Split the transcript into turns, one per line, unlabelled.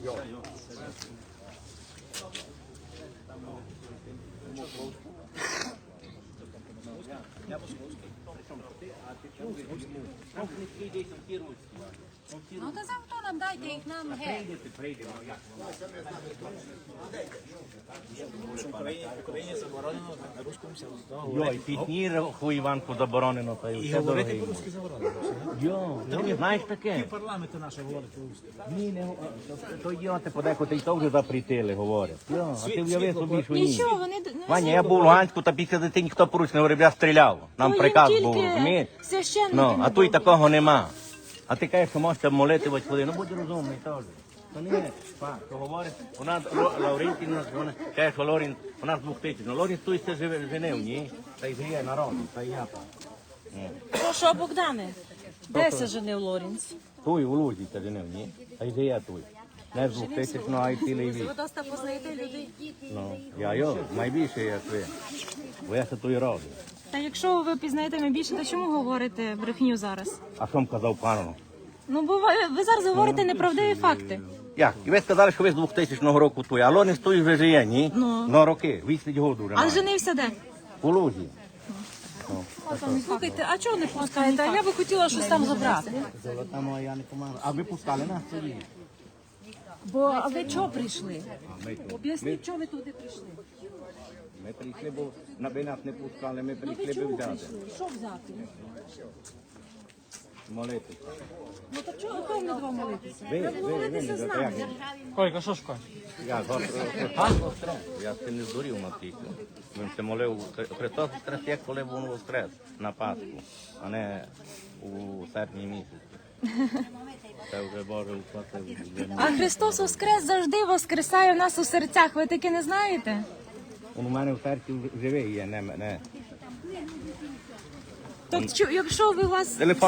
Ну то завтра нам дайте їх нам геть.
В Україні заборонено на русскому сяду.
Йой, пітні хуйванку заборонено, та й все дороге.
По-русски заборонено.
Йо, ти знаєш таке?
Парламенти наші говорять по-русски.
Ні, не то йо, ти подекуди і то вже запретили, говорять. Йо, а ти уяви собі, що ні.
Нічого, вони
Ваня, я був в Луганську, та після дитини ніхто по-русски не говорив, я стріляв. Нам приказ був, розумієш? Ну, а тут такого нема. А ти кажеш, що можете молити хоч ходи. Ну, будь розумний теж. То не є факт, що говорить. У нас Лаврентій, вона каже, що Лорін, у нас 2000. Ну, Лорін тут ще женив, ні? Та й жиє народ, та й я там.
Що, Богдане? Де се женив Лорінц?
Туй, у Лузі це женив, ні? Та й жиє туй. Не з 2000, ну, а й цілий вік.
Ви доста познаєте людей.
Ну, я найбільше як ви. Бо я це тут роблю.
Та якщо ви пізнаєте мене більше, то чому говорите брехню зараз?
А що м казав пану?
Ну, бо ви зараз говорите неправдиві факти.
Як? І ви сказали, що ви з 2000 року туй, а Лорін той вже жиє, ні?
Ну.
Ну, роки, 20 років вже
А
має.
женився де?
У Лузі.
Слухайте, а чого не пускаєте? Я би хотіла щось там забрати.
Золота моя не помагала. А ви пускали нас тоді?
А ви чого прийшли? Об'ясніть, чого ви туди прийшли?
Ми прийшли, бо ви нас не пускали, ми прийшли би взяти.
Що взяти?
Молитися.
Ну то чого ви не два молитися?
Ви
Молитися
не
з
за
нами.
Койка, що шукає?
Я ще не здурів на тільки. Він се молив, Христос воскрес, як коли він воскрес на Пасху, а не у серпні місяці. Це вже Боже уплатив.
А Христос Воскрес завжди воскресає в нас у серцях. Ви таки не знаєте?
Він у мене в серці живий є, не.
Так якщо ви вас
Телефон